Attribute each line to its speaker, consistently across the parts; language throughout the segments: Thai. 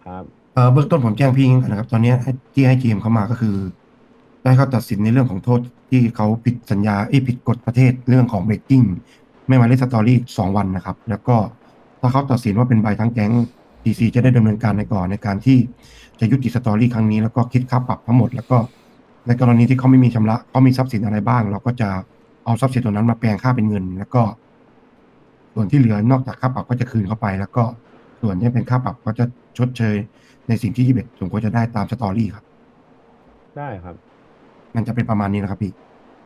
Speaker 1: ครับ
Speaker 2: เบื้องต้นผมแจ้งพี่อย่างนี้ก่อนนะครับตอนนี้ที่ให้ GM เขามาก็คือได้เขาตัดสินในเรื่องของโทษที่เขาผิดสัญญาผิดกฎประเทศเรื่องของเบรกกิ้งไม่มาเล่นสตอรี่2 วันนะครับแล้วก็ถ้าเขาตัดสินว่าเป็นใบทั้งแก๊ง TC จะได้ดำเนินการในก่อนในการที่จะยุติสตอรี่ครั้งนี้แล้วก็คิดค่าปรับทั้งหมดแล้วก็ในกรณีที่เขาไม่มีชำระเขามีทรัพย์สินอะไรบ้างเราก็จะเอาทรัพย์สินตัวนั้นมาแปลงค่าเป็นเงินแล้วก็ส่วนที่เหลือนอกจากค่าปรับก็จะคืนเข้าไปแล้วก็ส่วนที่เป็นค่าปรับก็จะชดเชย ในสิ่งที่21สมควรจะได้ตามสตอรี่ครับ
Speaker 1: ได้ครับ
Speaker 2: มันจะเป็นประมาณนี้นะครับพี่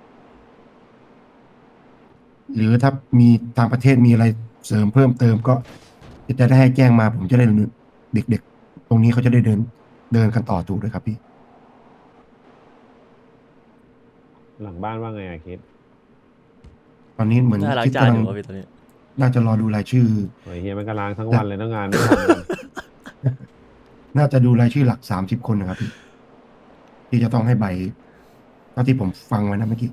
Speaker 2: หรือถ้ามีทางประเทศมีอะไรเสริมเพิ่มเติมก็จะได้ให้แจ้งมาผมจะได้เด็กๆตรงนี้เขาจะได้เดินกันต่อถูกด้วยครับพี่
Speaker 1: หลังบ้านว่าไงอะคิด
Speaker 2: ตอนนี้เหมือน
Speaker 3: น่าล้าง
Speaker 2: คิดกำลัง
Speaker 3: จานอยู่วะพี่ตอนนี้
Speaker 2: น่าจะรอดูรายชื่อ
Speaker 1: โอ้ยเฮียมันก็ล้างทั้ง
Speaker 2: หลัก
Speaker 1: วันเลยตั้งงานไม่ทำกัน
Speaker 2: น่าจะดูรายชื่อหลัก30 คนนะครับพี่ที่จะต้องให้ใบเท่าที่ผมฟังไว้นะเมื่อกี้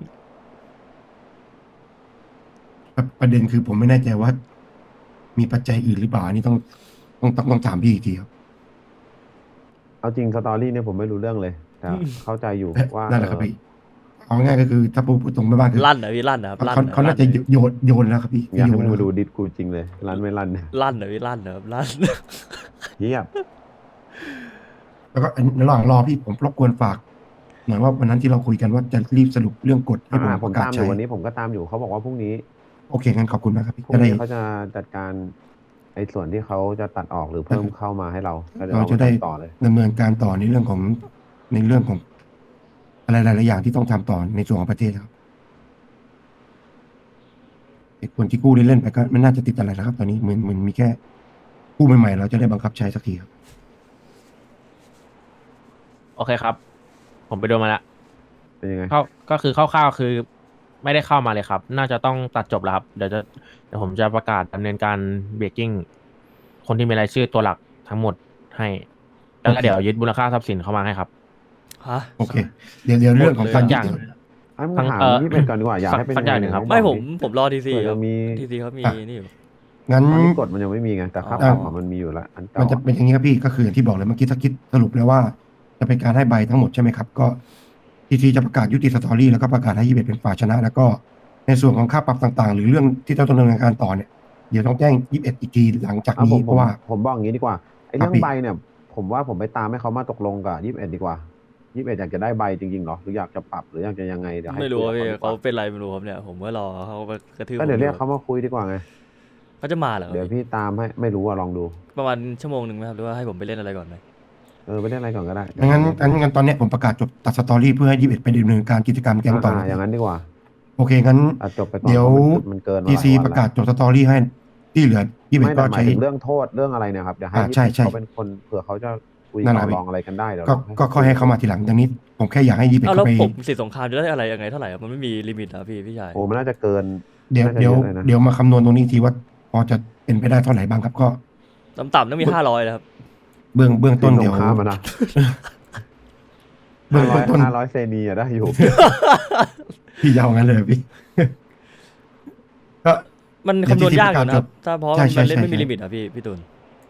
Speaker 2: ประเด็นคือผมไม่แน่ใจว่ามีปัจจัยอื่นหรือเปล่าอันนี้ต้องถามพี่อีกทีครับ
Speaker 1: เอาจริงสตอรี่เนี่ยผมไม่รู้เรื่องเลยแต่เข้าใจอยู่ว่า
Speaker 2: นั่นแหละครับพี่เอาง่ายๆก็คือถ้าพูดตรงไปบ้างคือ
Speaker 3: ลั่นเหรอพี่ลั่นนะครับลั่น
Speaker 2: เขาน่าจะ
Speaker 3: นะลั่นนะพี่
Speaker 2: โยนแล้วครับพี่
Speaker 1: อยากให้
Speaker 2: โยนแล้วครับ
Speaker 1: มึงมาดูดิสกูจริงเลยรันไม่รันเนี่ย
Speaker 3: ลั่นเหรอพี่ลั่นนะครับลั่น
Speaker 1: เฮียบ
Speaker 2: แล้วก็ในระหว่างรอพี่ผมรบกวนฝากหน่อยว่าวันนั้นที่เราคุยกันว่าจะรีบสรุปเรื่องกฎให้ผม
Speaker 1: ผมตามอยู่
Speaker 2: ประกาศใช้
Speaker 1: วันนี้ผมก็ตามอยู่เขาบอกว่าพรุ่งนี้
Speaker 2: โอเคงั้นขอบคุณมากครับพี่
Speaker 1: พรุ่ง
Speaker 2: จะได้
Speaker 1: นี้เขาจะจัดการไอ้ส่วนที่เขาจะตัดออกหรือเพิ่มเข้ามาให้เราก็เดี๋ยวเรามา
Speaker 2: เราจะได้
Speaker 1: ทำต่อเลย
Speaker 2: ดำเนินการต่อในเรื่องของอะไรหลายๆอย่างที่ต้องทำต่อในส่วนของประเทศครับไอ้คนที่กู้เล่นๆไปก็ไม่น่าจะติดอะไรแล้วครับตอนนี้เหมือนมีแค่กู้ใหม่ๆเราจะได้บังคับใช้สักทีครับ
Speaker 4: โอเคครับผมไปดูมาแล้ว
Speaker 1: เป็นยังไง
Speaker 4: เข้าก็คือคร่าวๆคือไม่ได้เข้ามาเลยครับน่าจะต้องตัดจบแล้วครับเดี๋ยวผมจะประกาศดำเนินการเบรกกิ้งคนที่มีรายชื่อตัวหลักทั้งหมดให้แล้วก็
Speaker 2: โอเค
Speaker 4: เดี๋ยวยึดมูลค่าทรัพย์สินเข้ามาให้ครับ
Speaker 3: ฮะ
Speaker 2: โอเคเดี๋ยว
Speaker 3: หม
Speaker 2: เรื่องของการ
Speaker 3: ดเลยอะ
Speaker 4: ทุกอย่าง
Speaker 2: ยึด
Speaker 1: ไอ้มึง
Speaker 4: ทั้ง
Speaker 1: ถามยี่เป็ดก่อนดีกว่าอยากให้เป็น
Speaker 4: สักอย่างหนึ่งครับ
Speaker 1: ยังไงไหนบ
Speaker 3: ไม่
Speaker 1: อกดิ
Speaker 3: ผมรอทีซีครับ
Speaker 1: เผื่อจะมี
Speaker 3: ทีซีเขามี
Speaker 2: อ่ะ
Speaker 3: นี่อยู่
Speaker 2: งั้น
Speaker 1: ตอนนี้กฎมันยังไม่มีไงแต่ค่า
Speaker 3: อ๋อ
Speaker 1: ปรับอะมันมีอยู่แล้วอัน
Speaker 2: มั
Speaker 1: เก่าอะ
Speaker 2: นจะเป็นอย่างนี้ครับพี่ก็คืออย่างที่บอกเลยเมื่อกี้ถ้าคิดสรุปแล้วว่าจะเป็นการให้ใบทั้งหมดใช่ไหมครับก็ทีทีจะประกาศยุติสตอรี่แล้วก็ประกาศให้21เป็นฝ่ายชนะแล้วก็ในส่วนของค่าปรับต่างๆหรือเรื่องที่ต้องดำเนินการต่อเนี่ยเดี๋ยวต้องแจ้ง21อีกทีหลังจาก
Speaker 1: เอาผมผม
Speaker 2: นี้เพราะว่า
Speaker 1: ผมบอกอย่างนี้ดีกว่าไอ้
Speaker 2: ครับพี่
Speaker 1: เรื่องใบเนี่ยผมว่าผมไปตามให้เขามาตกลงกับยี่สิบเอ็ดดีกว่ายี่สิบเอ็ดอยากจะได้ใบจริงๆเหรอหรืออยากจะปรับหรืออยากจะยังไงเดี๋ยวให้
Speaker 3: ไม่รู้
Speaker 1: คุยกับ
Speaker 3: ว่าพี่
Speaker 1: เขาดีกว่า
Speaker 3: เขาเป็นไรไม่รู้ครับเนี่ยผมก็รอเขามากระทืบ
Speaker 1: ก็
Speaker 3: ผมอยู่
Speaker 1: เดี๋ยวเรียกเขามาคุยดีกว่าไง
Speaker 3: เขาจะมาเหรอครับ
Speaker 1: เดี๋ยว
Speaker 3: พี่
Speaker 1: พี่ตามให้ไม่รู้อะลองดู
Speaker 3: ประมาณชั่วโมงหนึ่งไหมครับหรือว่าให้ผมไปเล่นอะไรก่อนไหม
Speaker 1: ไปเล่นอะไรก่อนก็ได้เดี๋ยวผ
Speaker 2: งั้น
Speaker 1: มเรียก
Speaker 2: งั้นตอนเนี้ยผมประกาศจบตัดสตอรี่เพื่อให้21ไปดำเนินการกิจกรรมแก๊งต่อเลย
Speaker 1: อย่างนั้นดีกว่า
Speaker 2: โอเคงั้น
Speaker 1: ตัดจบไปก่อน
Speaker 2: เดี๋ยว
Speaker 1: เพราะมันเกินมา
Speaker 2: ทีซี
Speaker 1: หลายวันแล้ว
Speaker 2: ประกาศจบสตอรี่ให้ที่เหลือ
Speaker 1: ไม่
Speaker 2: 21ก็
Speaker 1: แต่หมาย
Speaker 2: ใช้
Speaker 1: ถึงเรื่องโทษเรื่องอะไรเนี่ยครับเดี๋ยวให้ยี่สิบ
Speaker 2: ใช่ใช่
Speaker 1: เอ็ดเขาเป็นคนเผื่อเขาจะคุย
Speaker 2: นั่นแหละพี่
Speaker 1: ต่อรองอะไรกันได้เดี๋ยว
Speaker 2: ก็
Speaker 1: ลองให้
Speaker 2: ก็
Speaker 1: เขาคุยกันดู
Speaker 2: ค่อยให้เขามาทีหลังอย่างนี้ผมแค่อยากให้21
Speaker 3: อ้าวแล้ว
Speaker 2: เขาไป
Speaker 3: ผมสิทธิสงครามจะได้อะไรยังไงเท่าไหร่ครับมันไม่มีลิมิตนะพี่ชาย
Speaker 1: โอ้มันน่าจะเกิน
Speaker 2: เดี๋ยว
Speaker 1: น่าจะ
Speaker 2: เดี๋ยว
Speaker 1: เยอะเลยนะ
Speaker 2: เดี๋ยวมาคำนวณตรงนี้ทีว่าพอจะเป็นไปได้เท่าไหร่บ้างครับก็
Speaker 3: ต่ำๆต้องมี500นะครับ
Speaker 2: เบื้องต้
Speaker 1: สิ้นส
Speaker 2: นเดี๋ยว
Speaker 1: งครามอะนะ
Speaker 2: เบื้องต้น
Speaker 1: 500เซนีอะได้อยู่
Speaker 2: พี่ยาวงั้นเลยพี่ ก็
Speaker 3: มัน
Speaker 2: เดี๋ยว
Speaker 3: คำนวณยากอยู่
Speaker 2: TC
Speaker 3: นะครับถ้าเพราะ
Speaker 2: ใช่
Speaker 3: มันเล่นไม่มี
Speaker 2: ใช่
Speaker 3: ลิมิตอะพี่ตูน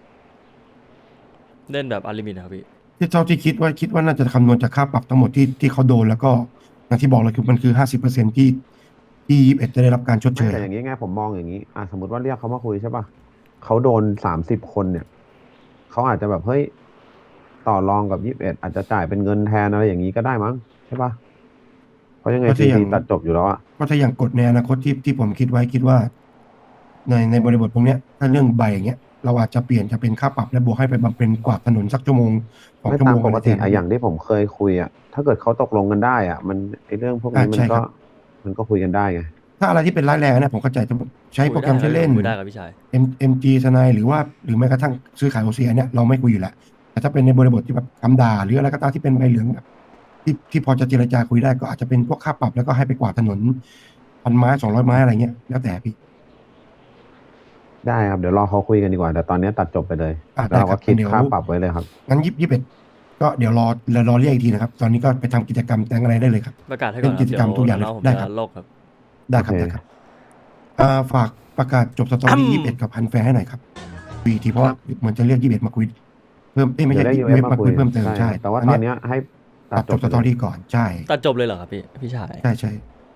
Speaker 3: เล่นแบบอันลิมิตนะครับพี่
Speaker 2: ที่เท่าที่คิดว่าน่าจะคำนวณจากค่าปรับทั้งหมดที่เขาโดนแล้วก็อย่างที่บอกเลยคือมันคือ50%ที่21จะได้รับการชดเช
Speaker 1: ไม่
Speaker 2: ย
Speaker 1: แต่อย่างนี้ไงผมมองอย่างนี้สมมติว่าเรียกเขามาคุยใช่ป่ะเขาโดน30 คนเนี่ยเขาอาจจะแบบเฮ้ยต่อรองกับ21อาจจะจ่ายเป็นเงินแทนอะไรอย่างนี้ก็ได้มั้งใช่ป่ะเพราะยังไง
Speaker 2: เพราะ
Speaker 1: ซี
Speaker 2: ถ้าอย่าง
Speaker 1: ซีตัดจบอยู่แล้วอะ
Speaker 2: เพราะถ้าอย่างกฎในอนาคตที่ผมคิดว่าในบริบทพวกเนี้ยถ้าเรื่องใบอย่างเงี้ยเราอาจจะเปลี่ยนจะเป็นค่าปรับและบวกให้ไปบำเพ็ญกวาดถนนสักชั่วโมงสอง
Speaker 1: ไม่
Speaker 2: ชั่วโมง
Speaker 1: ตามปกติ
Speaker 2: อะไรแทนนะพี่
Speaker 1: อย่างที่ผมเคยคุยอะถ้าเกิดเขาตกลงกันได้อะมันไอเรื่องพวกนี้มันก็
Speaker 2: ใช่ครับ
Speaker 1: มันก็คุยกันได้ไง
Speaker 2: ถ้าอะไรที่เป็นร้ายแรงเนี่ยผมเข้าใจจะใช้โปรแกรมใช้เล่น
Speaker 3: คุยได้ครับพี่ชาย
Speaker 2: MG ทนายหรือแม้กระทั่งซื้อขายโอซีเนี่ยเราไม่คุยอยู่แล้วแต่ถ้าเป็นในบริบทที่แบบคำด่าหรืออะไรก็ตามที่เป็นใบเหลืองแบบที่พอจะเจรจาคุยได้ก็อาจจะเป็นพวกค่าปรับแล้วก็ให้ไปกวาดถนน1,000 ไม้200 ไม้อะไรเงี้ยแล้วแต่พี่
Speaker 1: ได้ครับเดี๋ยวรอเขาคุยกันดีกว่าแต่ตอนนี้ตัดจบไปเลยแล้ว
Speaker 2: ได้
Speaker 1: เราก็
Speaker 2: ครับ
Speaker 1: คิด
Speaker 2: เดี๋ยว
Speaker 1: ค่าปรับไว้เลยครับ
Speaker 2: งั้น21ก็เดี๋ยวรอเรียกอีกทีนะครับตอนนี้ก็ไปทำกิจกรรมแต่งอะไรได้เลยครับ
Speaker 3: ประกาศให้ก่
Speaker 2: เป็น
Speaker 3: อนค
Speaker 2: กิจกรรม
Speaker 3: รับเดี๋ยว
Speaker 2: ทุกอย่างเลย
Speaker 3: น้องๆผม
Speaker 2: ได้ค
Speaker 3: จะ
Speaker 2: รับ
Speaker 3: โลกครับ
Speaker 2: ได้
Speaker 1: โอ
Speaker 2: ครับ
Speaker 1: เค
Speaker 2: ได้ครับฝากประกาศจบสตอรี่21กับพันแฟร์ให้หน่อยครับวีทีเพราะว่าเหมือนจะเรียก21มาคุยพิ่มไม่
Speaker 1: เดี๋ย
Speaker 2: ใช่
Speaker 1: วได้
Speaker 2: UF
Speaker 1: UF
Speaker 2: มา
Speaker 1: มา
Speaker 2: คุ
Speaker 1: คุ
Speaker 2: ย
Speaker 1: ย
Speaker 2: เพิ่มเติม
Speaker 1: ใช่
Speaker 2: ใช่
Speaker 1: แต่ว่าตอนเนี้ยให้ตั
Speaker 2: ตั
Speaker 1: ด
Speaker 2: ด
Speaker 1: จ
Speaker 2: จ
Speaker 1: บบ
Speaker 2: สตอรี่ก่อนใช่
Speaker 3: ตัดจบเลยเหรอครับพี่ชาย
Speaker 2: ใช่ใช่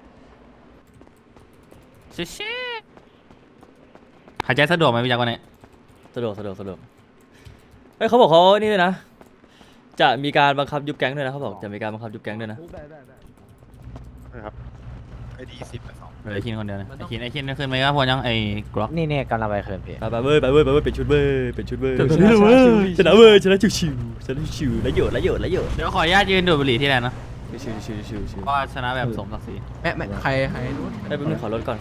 Speaker 5: หายใจสะดวกไหมพี่ยักษ์วันนี้
Speaker 3: สะดวกเฮ้ยเขาบอกเขานี่ด้วยนะ จะมีการบังคับยุบแก๊งด้วยนะเขาบอกจะมีการบังคับยุบแก๊งด้วยนะ
Speaker 5: เหลือไอ้คินคนเดียวนะไอ้คินขึ้นไหมครับพอยังไอ้กล็อก
Speaker 4: นี่กำลังไปคืนพี่
Speaker 3: ไปเว้ยเป็นชุดเว้ยชนะชิวๆชนะชิวๆแล้วโยด
Speaker 5: เดี๋ยวขออนุญาตยืนดูดบุหรี่ที่แลนด์นะ
Speaker 3: ชิว
Speaker 5: เพราะว่าชนะแบบสมศักดิ์ศรี
Speaker 4: ไม่ใครรู้
Speaker 3: ได้เป็นขอรถก่อน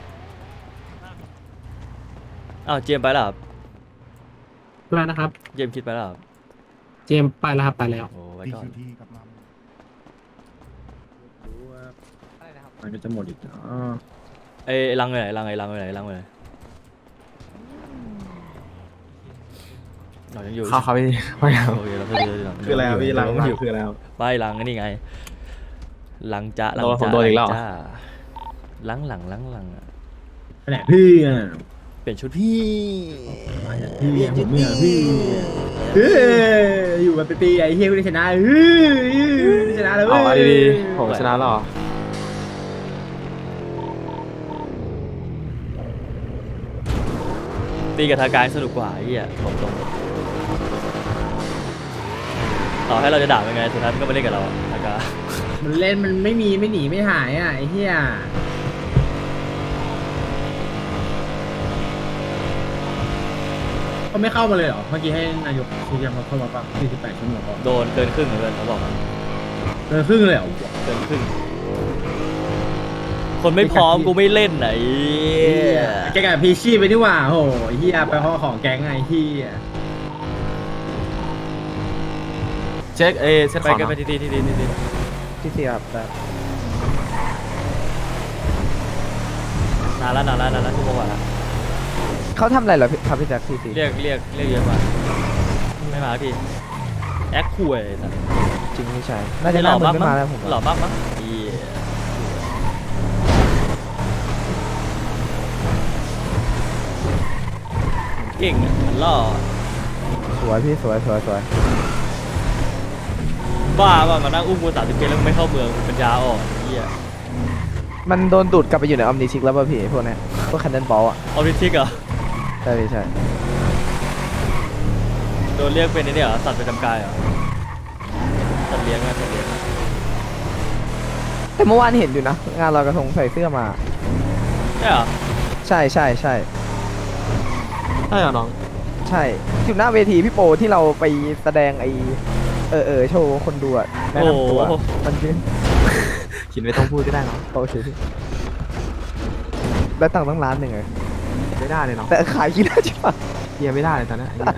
Speaker 3: อ้าวเจมส์ไปแล้วครับ
Speaker 6: อะไรนะครับ
Speaker 3: เจมส์คิดไปแล้วครับ
Speaker 6: เจมส์ไปแล้วครับไปแล้ว
Speaker 3: โอ้ไว้
Speaker 2: ที่
Speaker 3: ก่อน
Speaker 2: คิวที่กับมา
Speaker 6: มันก็จะหมดอีกอ๋อ
Speaker 3: ไอ้ลังไปไหนเรายังอยู่
Speaker 4: เขาพี่
Speaker 3: โอเคเรา
Speaker 6: คืออะไรครับพี่ลังคืออะไรครับ
Speaker 3: ไปลังนี่ไงลังจะ
Speaker 4: ผมโดนอีกแล้ว
Speaker 3: จ้าลังอะ
Speaker 6: ไปไหนพี่อ่ะ
Speaker 3: เปลี่ยนชุดพี่
Speaker 6: พี่ผมเนี่ยพี่อยู่มาเป็นปีไอ้เฮียกูได้ชนะได้ชนะแล้ว
Speaker 4: เอาดีๆผมชนะแล้วเหรอ
Speaker 3: ตีกับทางการสนุกกว่าไอ้เหี้ยบอกตรงต่อให้เราจะด่าเป็นไงสุดท้ายมันก็มาเล่นกับเราทางการ
Speaker 6: มันเล่นมันไม่หนีไม่หายอ่ะไอ้เฮียเขาไม่เข้ามาเลยเหรอเมื่อกี้ให้นายกชี้แจงเข้ามาป่ะ48 ชั่วโมงก่อน
Speaker 3: โดนเกินครึ่งเหมือนกันเขาบอกมา
Speaker 6: เกินครึ่งเลยเหรอ
Speaker 3: เกินครึ่งคนไม่พร้อมกูไม่เล่นไหน
Speaker 6: แกกับพีชี่ไปนี่หว่าโหเฮียไปห้องของแก๊งไงเฮีย
Speaker 4: เช็คเช็ค
Speaker 3: ไป
Speaker 4: ของ
Speaker 3: กันไปที
Speaker 4: ที่เสียบแบบ
Speaker 3: นานแล้วชั่วโมงกว่าละ
Speaker 4: เขาทำอะไรเหรอครับพี่แจ็คซีซี
Speaker 3: เรียกเยอะมาไม่มาพี่แอคคุยสัตว์
Speaker 4: จริงไม่ใช่น่าจะหล่อมากไม่มาแล้วผม
Speaker 3: หล่อมากมั้งเหี้ยเก่งอ่ะมันหล่อ
Speaker 4: สวยพี่สวย
Speaker 3: บ้าว่ามานั่งอุ้มกู30 เกมแล้วมึงไม่เข้าเมืองปัญญาอ่อนเหี้ย
Speaker 4: มันโดนดูดกลับไปอยู่ในออมนิชิกแล้วป่ะพี่พวกเนี้ยพวกคันเดนบอลอ่ะ
Speaker 3: ออริทิกเหรอ
Speaker 4: ใช่พี่ใช่
Speaker 3: โดนเรียกเป็นไอ้เนี่ยเหรอสัตว์ประจำกายเหรอสัตว์เลี้ยงอะ
Speaker 4: แต่เมื่อวานเห็นอยู่นะงานลอยกระทงใส่เสื้อมา
Speaker 3: ใช่เหรอ
Speaker 4: ใช่ใช่
Speaker 3: ใ
Speaker 4: ใช่
Speaker 3: ช่เหรอน้อง
Speaker 4: ใช่อยู่หน้าเวทีพี่โปที่เราไปแสดงไอโชว์คนดูอะแนะนำตัว
Speaker 3: โอ้โห
Speaker 4: มันยืน
Speaker 7: คิดไม่ต้องพูดก็ได้เนาะ
Speaker 4: โอเคพี่ได้ตังค์ตั้งล้านหนึ่งเลย
Speaker 7: ไม่ได้เลยเนาะ
Speaker 4: แต่ขายกี่ได้ใช่ปะ
Speaker 7: เฮียไม่ได้เลยตอนนั้นไอ้เหี้ย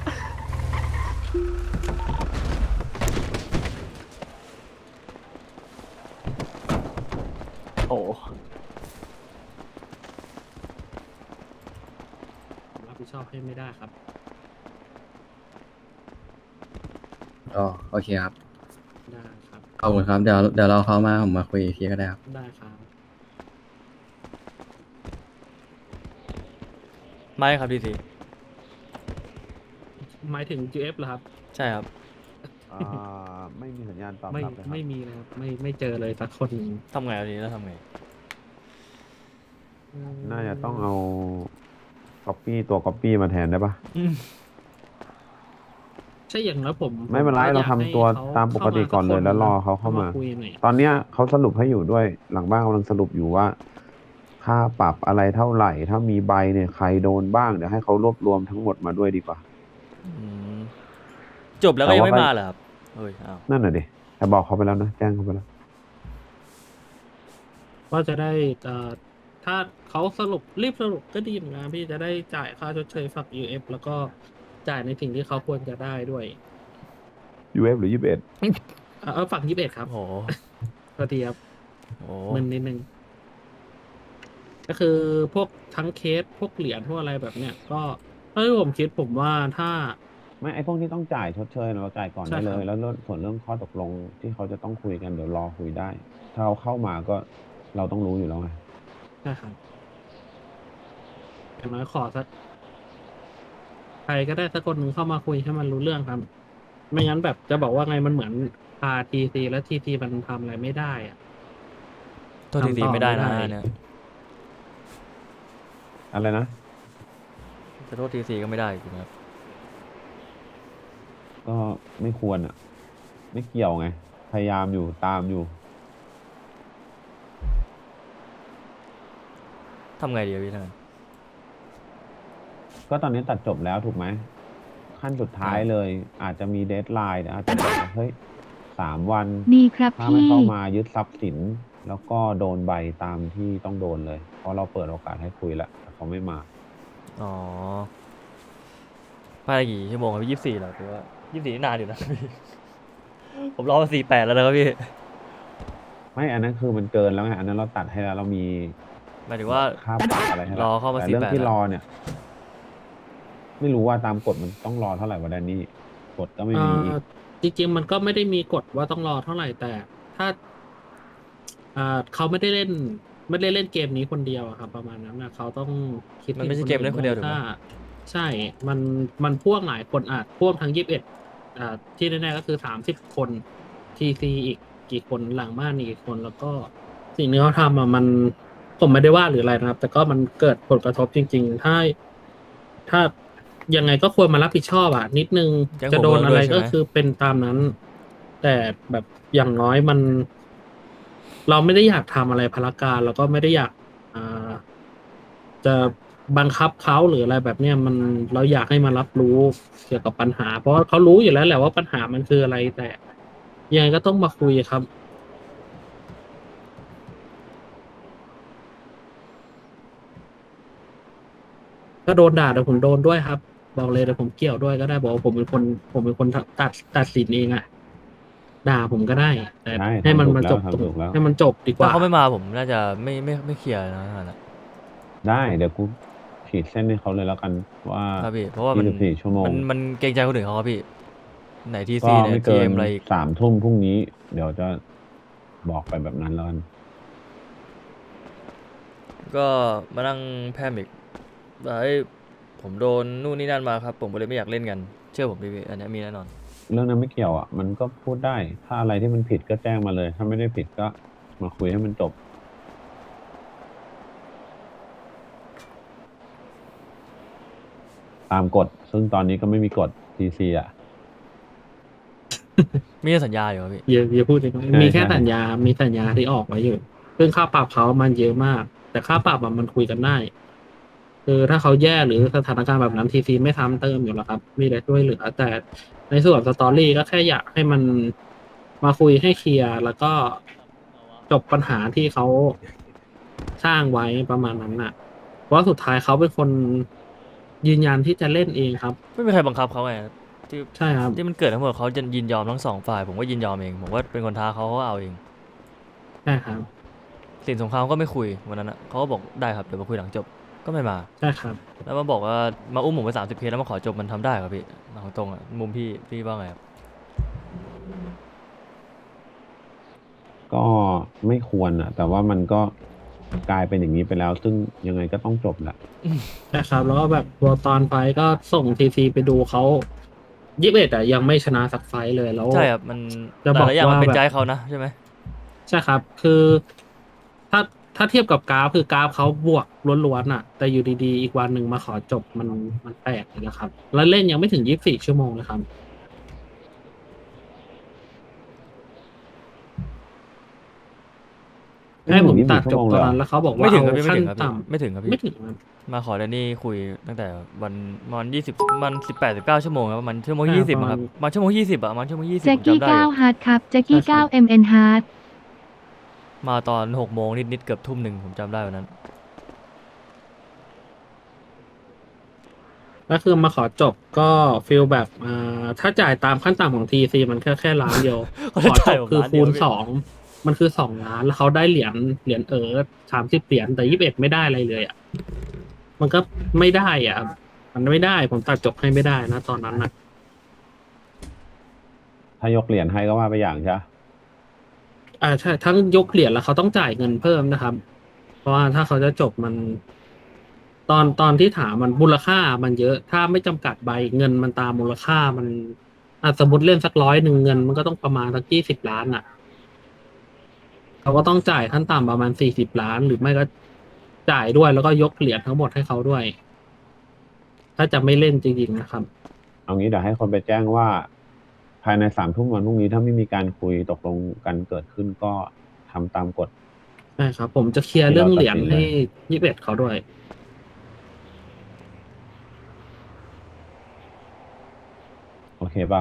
Speaker 4: โอ้
Speaker 6: รับผิดชอบให้ไม่ได้ครับ
Speaker 8: อ๋อโอเคครับ
Speaker 6: ได้ครับ
Speaker 8: ขอบคุณครับ เดี๋ยวเราเข้ามาผมมาคุยอีกทีก็ได้ครับ
Speaker 6: ได้ครับ
Speaker 3: ไม่ครับที
Speaker 6: หมายถึง GF เหรอครับ
Speaker 3: ใช่ครับ
Speaker 1: ไม่มีสัญญาณตอบ
Speaker 6: ไม่
Speaker 1: รับเลยครับ
Speaker 6: ไม่มีนะครับไม่เจอเลยสักคน
Speaker 3: ทำไงทีนี้แล้วทำไง
Speaker 1: น่าจะต้องเอาตัวก๊อปปี้มาแทนได้ปะ
Speaker 6: ใช่อย่างแล้วผม
Speaker 1: ไม่เป็นไร
Speaker 6: ก็
Speaker 1: เรา
Speaker 6: อยก
Speaker 1: ทำตัว
Speaker 6: ให้ข
Speaker 1: ตามปกติก่อนเลยแล้วรอเขาเข้ามา
Speaker 6: คุยหน่อย
Speaker 1: ตอนเนี้ยเขาสรุปให้อยู่ด้วยหลังบ้านกำลังสรุปอยู่ว่า ค่าปรับอะไรเท่าไหร่ ถ้ามีใบเนี่ยใครโดนบ้างเดี๋ยวให้เขารวบรวมทั้งหมดมาด้วยดีกว่า
Speaker 3: จบแล้วก็ยังไม่มาเหรอครับเฮ้ยอ้าว
Speaker 1: นั่นน่ะดิแต่บอกเขาไปแล้วนะแจ้งเขาไปแล้ว
Speaker 6: ก็จะได้ถ้าเขารีบสรุปก็ดีเหมือนกันพี่จะได้จ่ายค่าชดเชยฝั่ง UF แล้วก็จ่ายในสิ่งที่เขาควรจะได้ด้วย
Speaker 1: UF หรือ 21
Speaker 6: ฝั่ง21ครับ
Speaker 3: โอ้โห
Speaker 6: พอดีครับ
Speaker 3: โอ้โห
Speaker 6: มึนนิดนึงก็คือพวกทั้งเคสพวกเหรียญพวกอะไรแบบเนี้ยก็ถ้าที่ผมคิดผมว่าถ้า
Speaker 1: ไม่ไอพวกที่ต้องจ่ายชดเชยเราจ่ายก่อน
Speaker 6: ใช่
Speaker 1: ได้
Speaker 6: ครับ
Speaker 1: เลย แล้วส่วนเรื่องข้อตกลงที่เขาจะต้องคุยกันเดี๋ยวรอคุยได้ ถ้าเขาเข้ามาก็เราต้องรู้อยู่แล้วไง
Speaker 6: ใช่ครับอย่างน้อยขอสักใครก็ได้สักคนหนึ่งเข้ามาคุยให้มันรู้เรื่องครับไม่งั้นแบบจะบอกว่าไงมันเหมือนพาทีซีแล้วทีซีมันทำอะไรไม่ได้อะ
Speaker 3: โทษทีซีไม่ได้นะเนี่ย
Speaker 1: อะไรนะ
Speaker 3: จะโทษทีซีก็ไม่ได้จริงๆครับ
Speaker 1: ก็ไม่ควรอ่ะ ไม่เกี่ยวไง พยายามอยู่ตามอยู่
Speaker 3: ทำไงดีอะพี่ท่านน
Speaker 1: ก็ตอนนี้ตัดจบแล้วถูกไหม ขั้นสุดท้ายเลย อาจจะมีเดดไลน์อาจจะบอกว่าเฮ้ย3 วัน
Speaker 9: ดีครับ
Speaker 1: ถ้าไม่
Speaker 9: พี่
Speaker 1: เข้ามายึดทรัพย์สิน แล้วก็โดนใบตามที่ต้องโดนเลย เพราะเราเปิดโอกาสให้คุยแล้วแต่เขาไม่มา
Speaker 3: อ๋อภายในกี่ชั่วโมงครับพี่24เหรอหรือว่า24นี่นานอยู่นะ พี่ ผมรอมา48แล้วนะครับพี่
Speaker 1: ไม่อันนั้นคือมันเกินแล้วไงอันนั้นเราตัดให้แล้วเรามี
Speaker 3: หมายถึงว่า
Speaker 1: ค่าปรับอะไรให้แล้ว
Speaker 3: รอเข้ามา
Speaker 1: แต่เรื่อง
Speaker 3: 48
Speaker 1: ที่
Speaker 3: แล้ว
Speaker 1: รอเนี่ย ไม่รู้ว่าตามกฎมันต้องรอเท่าไหร่วะแดนนี่กฎก็ไม่มีอีก
Speaker 6: จริงๆมันก็ไม่ได้มีกฎว่าต้องรอเท่าไหร่แต่ถ้าเขาไม่ได้เล่นเกมนี้คนเดียวอะครับประมาณนั้นนะเขาต้องคิด
Speaker 3: มันไม่ใช่เกมเล่นคนเดียวถูกไหม
Speaker 6: ถ้าใช่มันพ่วงหลายคนพ่วงทั้ง21ที่แน่ๆก็คือ30 คนทีซีอีกกี่คนหลังบ้านอีกกี่คน แล้วก็สิ่งที่เขาทำมันผมไม่ได้ว่าหรืออะไรนะครับ แต่ก็มันเกิดผลกระทบจริง ๆ ถ้ายังไงก็ควรมารับผิดชอบนิดนึง
Speaker 3: แจ้ง
Speaker 6: จะโดน
Speaker 3: หัวเมือง
Speaker 6: อะไร
Speaker 3: ด้วยใช่ไหม
Speaker 6: ก็คือเป็นตามนั้น แต่แบบอย่างน้อยเราไม่ได้อยากทำอะไรพลการแล้วก็ไม่ได้อยากจะบังคับเขาหรืออะไรแบบเนี้ยเราอยากให้มารับรู้เกี่ยวกับปัญหา เพราะว่าเขารู้อยู่แล้วแหละว่าปัญหามันคืออะไร แต่ยังไงก็ต้องมาคุยครับ ก็โดนด่าแต่ผมโดนด้วยครับ บอกเลยแต่ผมเกี่ยวด้วยก็ได้บอกว่าผมเป็นคนตัดสินเองด่าผมก็ได้ แต่
Speaker 1: ใช่
Speaker 6: ให้มัน
Speaker 1: ทำถูก
Speaker 6: มา
Speaker 1: แล้ว
Speaker 6: จบ
Speaker 1: ทำถูกแล้ว
Speaker 6: ให้มันจบดีก
Speaker 3: ถ้า
Speaker 6: ว่า
Speaker 3: เขาไม่มาผมน่าจะไม่เคลียร์นะท่านนะ
Speaker 1: ได้เดี๋ยวกูขีดเส้นให้เขาเลยแล้วกันว่า
Speaker 3: ครับพี่เพราะว่ามัน
Speaker 1: 24 ชั่วโมง
Speaker 3: มันเกรงใจคนอื่นเขาครับพี่ไหนที
Speaker 1: ก็
Speaker 3: ซีไหน
Speaker 1: ไม่
Speaker 3: ที
Speaker 1: เกิน
Speaker 3: เอ็มอะไรอีก
Speaker 1: 3 ทุ่มพรุ่งนี้ เดี๋ยวจะบอกไปแบบนั้นแล้วกัน
Speaker 3: ก็มานั่งแพมอีกว่าเอ้ยผมโดนนู่นนี่นั่นมาครับ ผมก็เลยไม่อยากเล่นกัน เชื่อผมดิพี่อันเนี้ยมีแน่นอน
Speaker 1: เรื่องนั้นไม่เกี่ยวอ่ะ มันก็พูดได้ ถ้าอะไรที่มันผิดก็แจ้งมาเลย ถ้าไม่ได้ผิดก็มาคุยให้มันจบ ตามกฎ ซึ่งตอนนี้ก็ไม่มีกฎ TC อ่ะ
Speaker 3: มีแต่สัญญาอยู่ครับพี่
Speaker 6: อย่าพูดเลยครับ
Speaker 1: ใช่
Speaker 6: มีแค่
Speaker 1: ใช่
Speaker 6: สัญญา มีสัญญาที่ออกไว้อยู่ ซึ่งค่าปรับเขามันเยอะมาก แต่ค่าปรับมันคุยกันได้ คือถ้าเขาแย่หรือสถานการณ์แบบนั้นทีซีไม่ทำเติมอยู่แล้วครับ มีแต่ช่วยเหลือ แต่ในส่วนสตอรี่ก็แค่อยากให้มันมาคุยให้เคลียร์แล้วก็จบปัญหาที่เขาสร้างไว้ประมาณนั้นน่ะ เพราะสุดท้ายเขาเป็นคนยืนยันที่จะเล่นเองครับ
Speaker 3: ไม่มีใครบังคับเขาไงที่
Speaker 6: ใช่ครับ
Speaker 3: ที่มันเกิดทั้งหมดเขาจะยินยอมทั้งสองฝ่าย ผมก็ยินยอมเอง ผมว่าเป็นคนท้าเขาก็เอาเอง
Speaker 6: ใช่ครับ
Speaker 3: สินสงครามก็ไม่คุยวันนั้นอ่ะเขาก็บอกได้ครับเดี๋ยวมาคุยหลังจบก็ไม่มา
Speaker 6: ใช่ครับ
Speaker 3: แล้วมาบอกว่ามาอุ้มผมไป30 เคสแล้วมาขอจบมันทำได้ครับพี่เอาตรงอ่ะมุมพี่ว่าไงครับ
Speaker 1: ก็ไม่ควรอ่ะ แต่ว่ามันก็กลายเป็นอย่างนี้ไปแล้ว ซึ่งยังไงก็ต้องจบแหละ
Speaker 6: ใช่ครับ แล้วก็แบบตัวตอนไฟท์ก็ส่งทีซีไปดูเขา21ยังไม่ชนะสักไฟท์เลยแล้ว
Speaker 3: ใช่ครับมัน
Speaker 6: จะ
Speaker 3: แต่
Speaker 6: บอก
Speaker 3: ละอย่างมัน
Speaker 6: ว่า
Speaker 3: เป็น
Speaker 6: แบบ
Speaker 3: ใจเขานะใช่ไหม
Speaker 6: ใช่ครับ คือถ้าเทียบกับกราฟคือกราฟเขาบวกล้วนๆน่ะ แต่อยู่ดีๆ อีกวันหนึ่งมาขอจบมันแปลกเลยนะครับ แล้วเล่นยังไม่ถึง24 ชั่วโมงเลยครับ ให้ผมตัดจบตอนนั้นแล้วเขาบอกว่า
Speaker 3: ไม่ถึงครับ
Speaker 6: เอา
Speaker 3: พี่ไม่
Speaker 6: ขั้น
Speaker 3: ถึงครับพี่
Speaker 6: ต่ำ
Speaker 3: ไม่ถึงครับ
Speaker 6: ไม่
Speaker 3: พี่
Speaker 6: ถึงครับ
Speaker 3: มาขอแดนนี่คุยตั้งแต่วัน20มัน18-19 ชั่วโมงครับมันชั่วโมง
Speaker 6: ใช่
Speaker 3: 20อะครับ
Speaker 6: ประมาณ
Speaker 3: มันชั่วโมง20อะมันชั่วโมง20
Speaker 9: แจ็
Speaker 3: ผ
Speaker 9: ค
Speaker 3: ม
Speaker 9: กี้
Speaker 3: จำได้อยู่
Speaker 9: 9ฮาร์ดครับแจ็คกี้
Speaker 6: ใช่ครับ
Speaker 9: 9 MN ฮาร์ด
Speaker 3: มาตอน6 โมงนิดๆเกือบทุ่มหนึ่งผมจำได้วันนั้น
Speaker 6: แล้วคือมาขอจบก็ฟีลแบบถ้าจ่ายตามขั้นต่ำของทีซีมันแค่ล้านเดียว
Speaker 3: เขา
Speaker 6: ข
Speaker 3: จะ
Speaker 6: อจ
Speaker 3: จ่าย
Speaker 6: บ
Speaker 3: ผม
Speaker 6: คือ
Speaker 3: ล้านเดี
Speaker 6: คู
Speaker 3: ยว
Speaker 6: ณ
Speaker 3: พี่
Speaker 6: 2มันคือ2 ล้านแล้วเขาได้เหรียญ30 เหรียญแต่21ไม่ได้อะไรเลยอ่ะมันก็ไม่ได้อ่ะ มันไม่ได้ผมตัดจบให้ไม่ได้นะตอนนั้นนะ
Speaker 1: ถ้ายกเหรียญให้ก็ว่าไปอย่างใช่ปะ
Speaker 6: ใช่ทั้งยกเหรียญแล้วเขาต้องจ่ายเงินเพิ่มนะครับ เพราะว่าถ้าเขาจะจบมัน ตอนที่ถามมันมูลค่ามันเยอะ ถ้าไม่จำกัดใบเงินมันตามมูลค่าสมมติเล่นสัก100เงินมันก็ต้องประมาณสัก20 ล้านอ่ะเขาก็ต้องจ่ายขั้นต่ำประมาณ40 ล้านหรือไม่ก็จ่ายด้วยแล้วก็ยกเหรียญทั้งหมดให้เขาด้วย ถ้าจะไม่เล่นจริงๆนะครับ
Speaker 1: เอางี้เดี๋ยวให้คนไปแจ้งว่า ภายใน3 ทุ่มวันพรุ่งนี้ถ้าไม่มีการคุยตกลงกันเกิดขึ้นก็ทำตามกฎ
Speaker 6: ใช่ครับ ผมจะเคลียร์เรื่องเหรียญให้21เขาด้วย
Speaker 1: โอเคเปล่า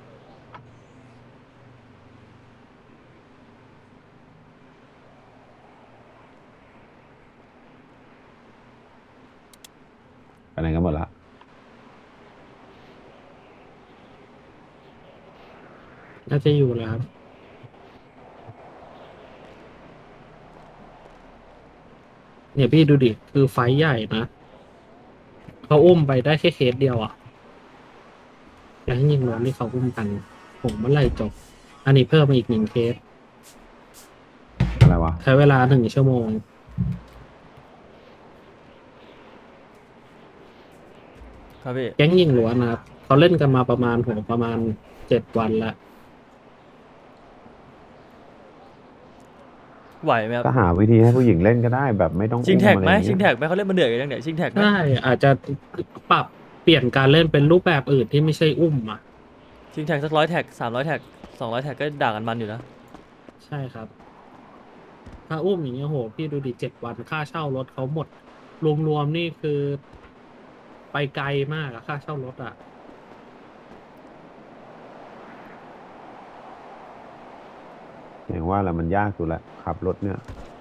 Speaker 1: ไปไหนกันหมดละ
Speaker 6: น่าจะอยู่แล้วครับ เนี่ยพี่ดูดิ คือไฟท์ใหญ่นะ เขาอุ้มไปได้แค่เคสเดียวอ่ะแล้วยิงล้มที่เขาอุ้มกัน ผมเมื่อไหร่จบ อันนี้เพิ่มมาอีก1 เคส
Speaker 1: อะไรวะ
Speaker 6: ใช้เวลา1 ชั่วโมง
Speaker 3: ครับพี่
Speaker 6: แก๊งยิงล้วนนะครับ เขาเล่นกันมาประมาณ7 วันแล้ว
Speaker 3: ไหวไหมครับ
Speaker 1: ก็หาวิธีให้ผู้หญิงเล่นก็ได้แบบไม่ต้อง
Speaker 3: ชิงแท็กไหม
Speaker 1: อุ้อะรอย่า
Speaker 3: ชิง
Speaker 1: เย
Speaker 3: แท็กไหมเขาเล่นมาเหนื่อยกันยังเนี่ยชิงแท็กไหม
Speaker 6: ใช่ อาจจะปรับเปลี่ยนการเล่นเป็นรูปแบบอื่นที่ไม่ใช่อุ้มอ่ะ
Speaker 3: ชิงแท็กสัก100 แท็ก300 แท็ก200 แท็กก็ด่ากันมันอยู่นะ
Speaker 6: ใช่ครับ ถ้าอุ้มอย่างเงี้ยโห พี่ดูดิ7 วันค่าเช่ารถเขาหมด รวมๆนี่คือไปไกลมากอะค่าเช่ารถอะ
Speaker 1: อย่างว่าแหละมันยากอยู่แหละขับรถเนี่ย